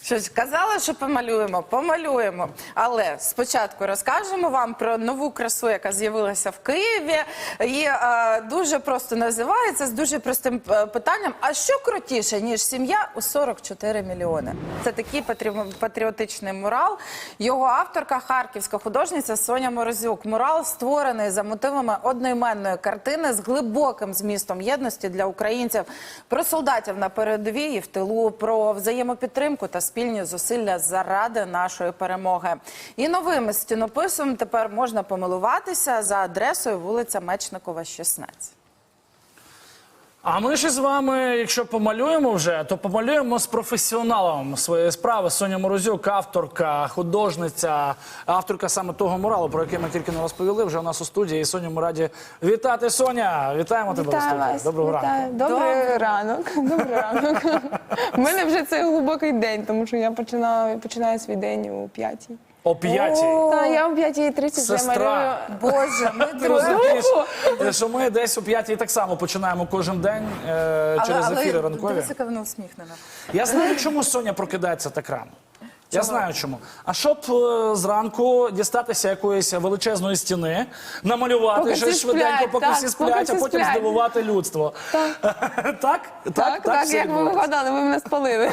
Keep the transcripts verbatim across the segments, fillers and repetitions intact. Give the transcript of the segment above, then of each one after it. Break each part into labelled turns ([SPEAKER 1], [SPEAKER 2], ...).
[SPEAKER 1] Що ж, казала, що помалюємо, помалюємо. Але спочатку розкажемо вам про нову красу, яка з'явилася в Києві. І е, дуже просто називається, з дуже простим е, питанням. А що крутіше, ніж сім'я у сорок чотири мільйони? Це такий патрі- патріотичний мурал. Його авторка – харківська художниця Соня Морозюк. Мурал створений за мотивами одноіменної картини з глибоким змістом єдності для українців. Про солдатів на передовій і в тилу, про взаємопідтримку та спільні зусилля заради нашої перемоги. І новим стінописом тепер можна помилуватися за адресою вулиця Мечникова, шістнадцять.
[SPEAKER 2] А ми ж з вами, якщо помалюємо вже, то помалюємо з професіоналом своєї справи. Соня Морозюк, авторка, художниця, авторка саме того муралу, про який ми тільки не розповіли, вже у нас у студії. І Соню ми раді вітати. Соня, вітаємо тебе у студії.
[SPEAKER 3] Вас.
[SPEAKER 2] Доброго
[SPEAKER 3] Вітаю.
[SPEAKER 2] ранку.
[SPEAKER 3] Добрий ранок. Добрий ранок. У мене вже це глибокий день, тому що я починаю, починаю свій день о п'ятій.
[SPEAKER 2] О п'ятій.
[SPEAKER 3] Так, я о п'ятій тридцять вже малюю.
[SPEAKER 2] Сестра.
[SPEAKER 1] Боже, ми
[SPEAKER 2] Ти розумієш, що ми десь о п'ятій так само починаємо кожен день е, через ефіри ранкові.
[SPEAKER 1] Дивись, яка вона усміхнена.
[SPEAKER 2] Я знаю, чому Соня прокидається так рано. Я знаю чому. А щоб е, зранку дістатися якоїсь величезної стіни, намалювати
[SPEAKER 3] Поки
[SPEAKER 2] щось
[SPEAKER 3] всі
[SPEAKER 2] швиденько,
[SPEAKER 3] сплять,
[SPEAKER 2] поки
[SPEAKER 3] так,
[SPEAKER 2] всі сплять,
[SPEAKER 3] поки
[SPEAKER 2] а
[SPEAKER 3] всі
[SPEAKER 2] потім
[SPEAKER 3] сплять.
[SPEAKER 2] здивувати людство. Так? Так?
[SPEAKER 3] Так, так,
[SPEAKER 2] так, все
[SPEAKER 3] як ви
[SPEAKER 2] відбувається?
[SPEAKER 3] вигадали, ви мене спалили.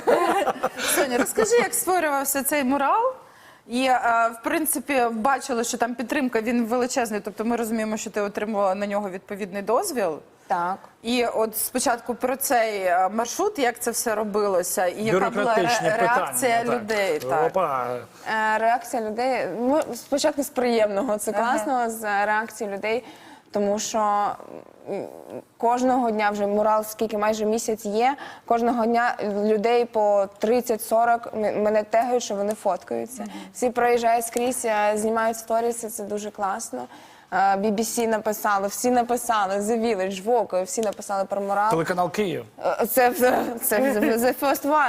[SPEAKER 1] Соня, розкажи, як створювався цей мурал? І, е, в принципі, бачили, що там підтримка, він величезний, тобто ми розуміємо, що ти отримала на нього відповідний дозвіл.
[SPEAKER 3] Так.
[SPEAKER 1] І от спочатку про цей е, маршрут, як це все робилося, і яка була
[SPEAKER 2] Бюрократичні
[SPEAKER 1] ре- реакція
[SPEAKER 2] питання.
[SPEAKER 1] людей.
[SPEAKER 2] Так.
[SPEAKER 1] Так.
[SPEAKER 2] Опа.
[SPEAKER 3] Е, Реакція людей, ну, спочатку з приємного, це
[SPEAKER 1] Ага.
[SPEAKER 3] класно, з реакції людей, тому що м, кожного дня вже мурал, скільки майже місяць є, кожного дня людей по тридцять-сорок м- мене тегають, що вони фоткаються. Всі проїжджають скрізь, е, знімають сторіси, це дуже класно. Е, бі бі сі написали, всі написали, The Village, Vogue, всі написали про мурал.
[SPEAKER 2] Телеканал Київ.
[SPEAKER 3] Е, Це, це, це the first one.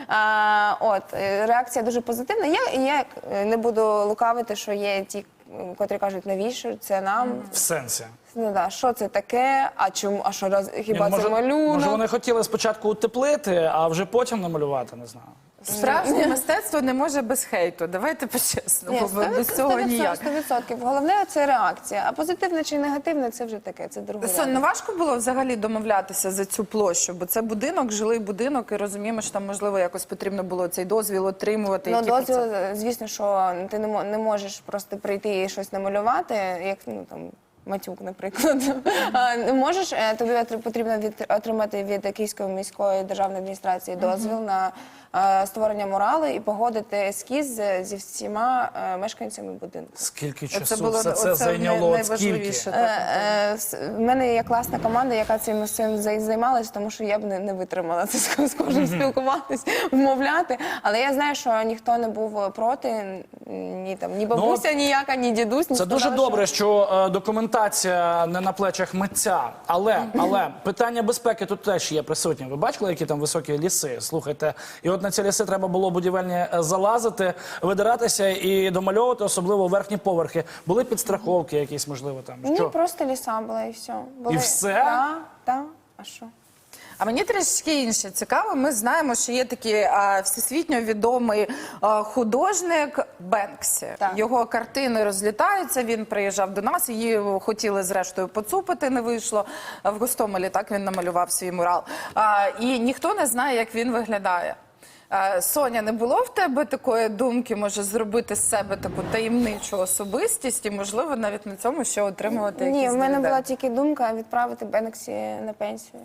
[SPEAKER 3] А, от, е, реакція дуже позитивна. Я, я е, не буду лукавити, що є ті, м, котрі кажуть, навіщо це нам?
[SPEAKER 2] В сенсі.
[SPEAKER 3] Ну да, що це таке? А чому? А що роз... хіба
[SPEAKER 2] Ні,
[SPEAKER 3] це малюнок?
[SPEAKER 2] може вони хотіли спочатку утеплити, а вже потім намалювати, не знаю.
[SPEAKER 1] Справжнє мистецтво не може без хейту. Давайте по-чесному,
[SPEAKER 3] Ні,
[SPEAKER 1] бо без цього ніяк.
[SPEAKER 3] сто відсотків. Головне – це реакція. А позитивне чи негативне – це вже таке, це друге.
[SPEAKER 1] Сон, ну важко було взагалі домовлятися за цю площу, бо це будинок, жилий будинок, і розуміємо, що там, можливо, якось потрібно було цей дозвіл отримувати.
[SPEAKER 3] Ну,
[SPEAKER 1] які
[SPEAKER 3] дозвіл,
[SPEAKER 1] процеси?
[SPEAKER 3] звісно, що ти не мо- не можеш просто прийти і щось намалювати, як, ну, там, Матюк, наприклад. А, не можеш, е, тобі отри- потрібно від- отримати від Київської міської державної адміністрації дозвіл на е, створення муралу і погодити ескіз з- зі всіма е, мешканцями будинку.
[SPEAKER 2] Скільки
[SPEAKER 1] Оце
[SPEAKER 2] часу
[SPEAKER 1] було
[SPEAKER 2] все це
[SPEAKER 1] оце
[SPEAKER 2] зайняло?
[SPEAKER 1] най-
[SPEAKER 2] От скільки?
[SPEAKER 1] найважливіше.
[SPEAKER 3] Е, е, с- В мене є класна команда, яка цим всім зай- займалась, тому що я б не, не витримала це з з кожним спілкуватись, вмовляти. Але я знаю, що ніхто не був проти, ні там ні бабуся ніяка, ні дідусь. Не
[SPEAKER 2] Це дуже
[SPEAKER 3] сказали,
[SPEAKER 2] добре, що е, документація не на плечах митця. Але, але питання безпеки тут теж є присутнє. Ви бачили, які там високі ліси? Слухайте, і от на ці ліси треба було будівельні е, залазити, видиратися і домальовувати, особливо верхні поверхи. Були підстраховки якісь, можливо, там?
[SPEAKER 3] Ні,
[SPEAKER 2] Що?
[SPEAKER 3] просто ліса була і все. Були...
[SPEAKER 2] І все?
[SPEAKER 3] Так, так. А що?
[SPEAKER 1] А мені трішки інше цікаво. Ми знаємо, що є такий а, всесвітньо відомий а, художник Бенксі.
[SPEAKER 3] Так.
[SPEAKER 1] Його картини розлітаються. Він приїжджав до нас. Її хотіли зрештою поцупити, не вийшло. А в Гостомелі так він намалював свій мурал. А, і ніхто не знає, як він виглядає. А, Соня, не було в тебе такої думки, може, зробити з себе таку таємничу особистість і, можливо, навіть на цьому ще отримувати якісь
[SPEAKER 3] Ні, в мене
[SPEAKER 1] дивіденди?
[SPEAKER 3] була тільки думка відправити Бенксі на пенсію.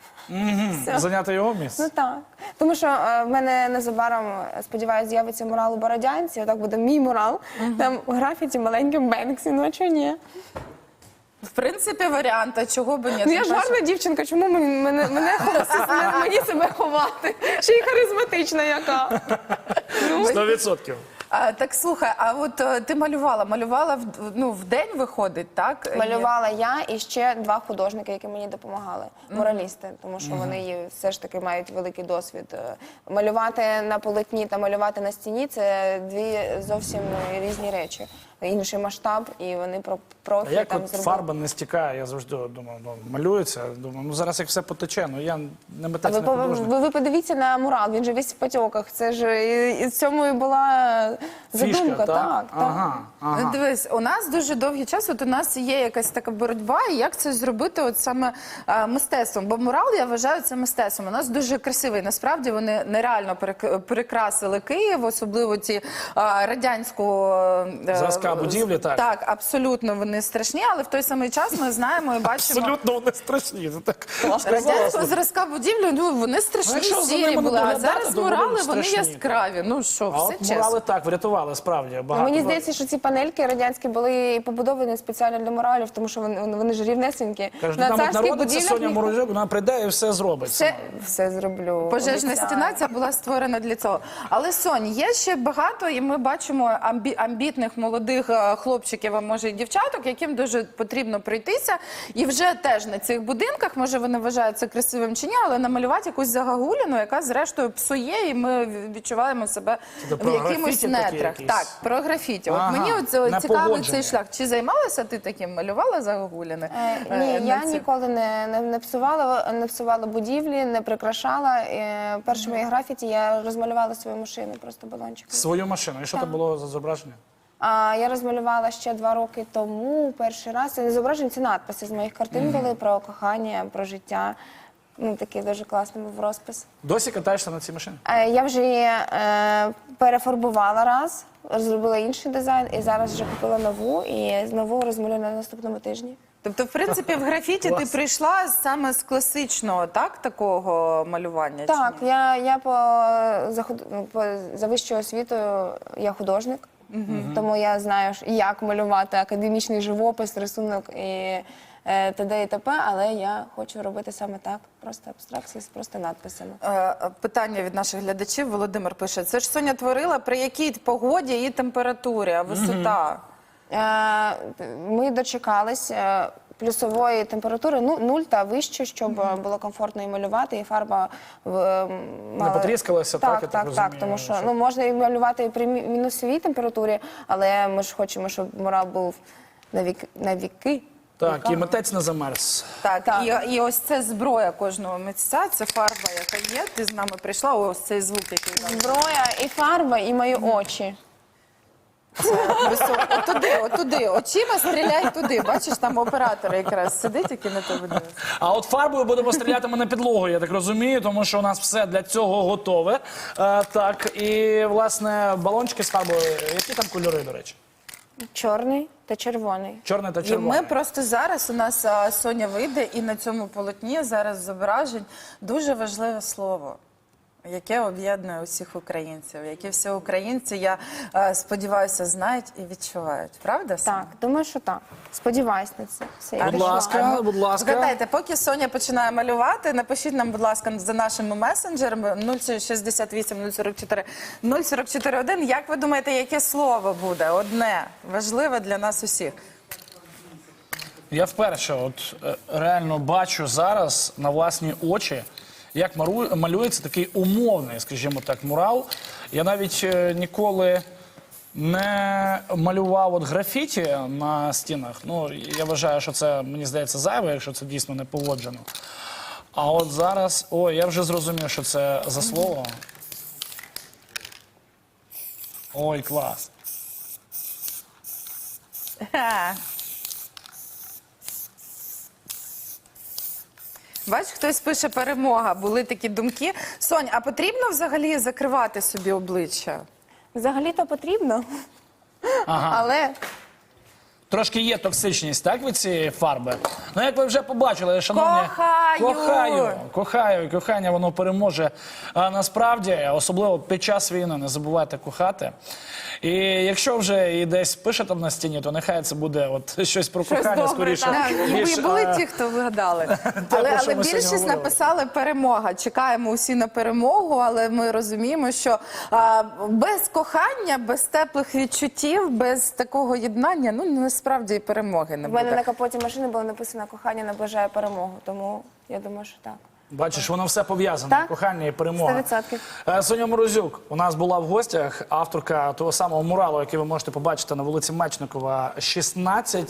[SPEAKER 3] Все.
[SPEAKER 2] Зайняти його місце?
[SPEAKER 3] Ну так. Тому що е, в мене незабаром, е, сподіваюся, з'явиться мурал у Бородянці, отак буде мій мурал, там графіті маленьким Бенксі, ну а чого ні?
[SPEAKER 1] В принципі, варіант, а чого б ні?
[SPEAKER 3] Ну я ж
[SPEAKER 1] Тим паче-
[SPEAKER 3] гарна дівчинка, чому мені, мене, мене, ховати? мені себе ховати? Ще й харизматична яка. Ну,
[SPEAKER 2] Сто відсотків.
[SPEAKER 1] А, так слухай, а от е, ти малювала, малювала в, ну, в день виходить, так?
[SPEAKER 3] малювала я і ще два художники, які мені допомагали, муралісти, тому що вони є, все ж таки мають великий досвід. Е, Малювати на полотні та малювати на стіні – це дві зовсім різні речі. інший масштаб, і вони про
[SPEAKER 2] А
[SPEAKER 3] профі
[SPEAKER 2] як
[SPEAKER 3] там
[SPEAKER 2] от
[SPEAKER 3] зробили.
[SPEAKER 2] фарба не стікає, я завжди думав, ну, малюється, думаю, ну зараз як все потече, ну я не
[SPEAKER 3] А
[SPEAKER 2] митець,
[SPEAKER 3] ви,
[SPEAKER 2] не
[SPEAKER 3] по-
[SPEAKER 2] художник.
[SPEAKER 3] ви, ви подивіться на мурал, він же весь в потьоках. Це ж і, і в цьому і була задумка.
[SPEAKER 2] Фішка,
[SPEAKER 3] так,
[SPEAKER 2] так?
[SPEAKER 3] так.
[SPEAKER 2] Ага, ага.
[SPEAKER 1] Ну, дивись, у нас дуже довгий час, от у нас є якась така боротьба, і як це зробити от саме а, мистецтвом. Бо мурал, я вважаю, це мистецтвом. У нас дуже красивий. Насправді вони нереально перек- перекрасили Київ, особливо ті а, радянську... е,
[SPEAKER 2] Зразка будівлі, так?
[SPEAKER 1] Так, абсолютно вони страшні, але в той самий час ми знаємо і бачимо...
[SPEAKER 2] Абсолютно вони страшні. Це так
[SPEAKER 1] Радянського зразка будівлі, ну вони страшні,
[SPEAKER 2] Ну, якщо за
[SPEAKER 1] сірі
[SPEAKER 2] ними не
[SPEAKER 1] були, а
[SPEAKER 2] доглядати,
[SPEAKER 1] зараз
[SPEAKER 2] то вони
[SPEAKER 1] мурали, вони
[SPEAKER 2] страшні,
[SPEAKER 1] яскраві. Ну що,
[SPEAKER 2] А
[SPEAKER 1] все
[SPEAKER 2] от
[SPEAKER 1] чесно.
[SPEAKER 2] мурали так врятували, справді.
[SPEAKER 3] Ну,
[SPEAKER 2] Багато.
[SPEAKER 3] мені здається, що ці панельки радянські були побудовані спеціально для муралів, тому що вони, вони, вони ж рівнесенькі.
[SPEAKER 2] Кажуть,
[SPEAKER 3] На
[SPEAKER 2] там от
[SPEAKER 3] царських
[SPEAKER 2] народиться
[SPEAKER 3] будівлях
[SPEAKER 2] Соня
[SPEAKER 3] ніхто-
[SPEAKER 2] Морозюк, вона прийде і все зробить.
[SPEAKER 3] Все,
[SPEAKER 2] сама.
[SPEAKER 3] все зроблю.
[SPEAKER 1] Пожежна
[SPEAKER 3] обіцяю.
[SPEAKER 1] стіна ця була створена для цього. Але, Сонь, є ще багато, і ми бачимо амбі- амбітних молодих е, хлопчиків, а може і дівчаток, яким дуже потрібно пройтися. І вже теж на цих будинках, може вони вважають це красивим чи ні, але намалювати якусь загагуліну, яка зрештою псує, і ми відчуваємо себе
[SPEAKER 2] Це
[SPEAKER 1] в
[SPEAKER 2] про
[SPEAKER 1] якимось
[SPEAKER 2] графіті такі
[SPEAKER 1] нетрах.
[SPEAKER 2] якісь?
[SPEAKER 1] Так, про графіті. От
[SPEAKER 2] Ага,
[SPEAKER 1] мені от, е,
[SPEAKER 2] на
[SPEAKER 1] цікавий
[SPEAKER 2] погодження.
[SPEAKER 1] цей шлях. Чи займалася ти таким? Малювала загагуліни?
[SPEAKER 3] Е,
[SPEAKER 1] Е,
[SPEAKER 3] Ні,
[SPEAKER 1] на
[SPEAKER 3] я
[SPEAKER 1] цих?
[SPEAKER 3] ніколи не, не, не псувала, не псувала будівлі, не прикрашала. Е, Перші мої графіті я розмалювала свою машину, просто балончиком.
[SPEAKER 2] Свою машину. І що це було за зображення?
[SPEAKER 3] А я розмалювала ще два роки тому, перший раз. Це не зображення, це надписи з моїх картин були про кохання, про життя. Ну, такий дуже класний був розпис.
[SPEAKER 2] Досі катаєшся на цій машині?
[SPEAKER 3] Е, Я вже її е, перефарбувала раз, зробила інший дизайн, і зараз вже купила нову, і знову розмалюю на наступному тижні.
[SPEAKER 1] Тобто, в принципі, в графіті ти
[SPEAKER 2] Клас.
[SPEAKER 1] прийшла саме з класичного, так, такого малювання? чи
[SPEAKER 3] Так,
[SPEAKER 1] ні?
[SPEAKER 3] я, я по, за, худ- ну, по, за вищою освітою я художник, тому я знаю, ж, як малювати академічний живопис, рисунок і е, т.д. і т.п., але я хочу робити саме так, просто абстракції з просто надписами.
[SPEAKER 1] Е, Питання від наших глядачів. Володимир пише, це ж Соня творила при якій погоді і температурі, а висота?
[SPEAKER 3] Е, Ми дочекались е, плюсової температури, ну, нуль та вище, щоб е, було комфортно і малювати, і фарба е, мала...
[SPEAKER 2] потріскалася, так,
[SPEAKER 3] так,
[SPEAKER 2] я так
[SPEAKER 3] так,
[SPEAKER 2] розумію,
[SPEAKER 3] так, тому що,
[SPEAKER 2] що-
[SPEAKER 3] ну, можна і малювати і при мі- мінусовій температурі, але ми ж хочемо, щоб мурал був на, вік, на віки.
[SPEAKER 2] Так,
[SPEAKER 3] Віка.
[SPEAKER 2] і митець не замерз.
[SPEAKER 1] Так,
[SPEAKER 3] Так.
[SPEAKER 1] І, і ось це зброя кожного митця, це фарба, яка є. Ти з нами прийшла, ось цей звук, який зараз.
[SPEAKER 3] Зброя і фарба, і мої очі.
[SPEAKER 1] Високо. Отуди, отуди, очима стріляй туди. Бачиш, там оператор якраз сидить, який на тебе дивиться.
[SPEAKER 2] А от фарбою будемо стріляти ми на підлогу, я так розумію, тому що у нас все для цього готове. Е, так, і, власне, балончики з фарбою, які там кольори, до речі?
[SPEAKER 3] Чорний та червоний.
[SPEAKER 2] Чорне та
[SPEAKER 1] І
[SPEAKER 2] червоне.
[SPEAKER 1] ми просто зараз, у нас а, Соня вийде, і на цьому полотні зараз зображень дуже важливе слово, яке об'єднує усіх українців, які всі українці, я е, сподіваюся, знають і відчувають. Правда, Соня?
[SPEAKER 3] Так, думаю, що так. Сподіваюсь на це. Все, я
[SPEAKER 2] Будь
[SPEAKER 3] пішла.
[SPEAKER 2] ласка, будь ласка.
[SPEAKER 1] Згадайте, поки Соня починає малювати, напишіть нам, будь ласка, за нашими месенджерами нуль шістдесят вісім нуль сорок чотири нуль сорок чотири один. Як ви думаєте, яке слово буде? Одне, важливе для нас усіх.
[SPEAKER 2] Я вперше от е, реально бачу зараз на власні очі, як мару- малюється такий умовний, скажімо так, мурал. Я навіть е, ніколи не малював от графіті на стінах. Ну, я вважаю, що це, мені здається, зайве, якщо це дійсно не погоджено. А от зараз, ой, я вже зрозумів, що це за слово. Ой, клас.
[SPEAKER 1] Ха. Бач, хтось пише перемога, були такі думки. Сонь, а потрібно взагалі закривати собі обличчя?
[SPEAKER 3] Взагалі-то потрібно,
[SPEAKER 2] Ага.
[SPEAKER 3] але
[SPEAKER 2] Трошки є токсичність, так, від цієї фарби? Ну, як ви вже побачили, шановні...
[SPEAKER 1] Кохаю!
[SPEAKER 2] Кохаю! Кохаю! І кохання, воно переможе. А насправді, особливо під час війни, не забувайте кохати. І якщо вже і десь пишете на стіні, то нехай це буде от щось про
[SPEAKER 3] Щось
[SPEAKER 2] кохання,
[SPEAKER 3] добре,
[SPEAKER 2] скоріше.
[SPEAKER 3] так.
[SPEAKER 1] І
[SPEAKER 2] ніж,
[SPEAKER 1] ви були
[SPEAKER 2] е,
[SPEAKER 1] ті, хто вигадали.
[SPEAKER 2] про
[SPEAKER 1] Але,
[SPEAKER 2] що
[SPEAKER 1] але
[SPEAKER 2] ми сьогодні
[SPEAKER 1] більшість
[SPEAKER 2] говорили.
[SPEAKER 1] написали перемога. Чекаємо усі на перемогу, але ми розуміємо, що а, без кохання, без теплих відчуттів, без такого єднання, ну насправді і перемоги не
[SPEAKER 3] в мене
[SPEAKER 1] буде.
[SPEAKER 3] на капоті машини було написано «Кохання наближає перемогу», тому я думаю, що так.
[SPEAKER 2] Бачиш, воно все пов'язане.
[SPEAKER 3] Так.
[SPEAKER 2] Кохання і перемога.
[SPEAKER 3] сто відсотків.
[SPEAKER 2] Е, Соня Морозюк у нас була в гостях, авторка того самого муралу, який ви можете побачити на вулиці Мечникова, шістнадцять.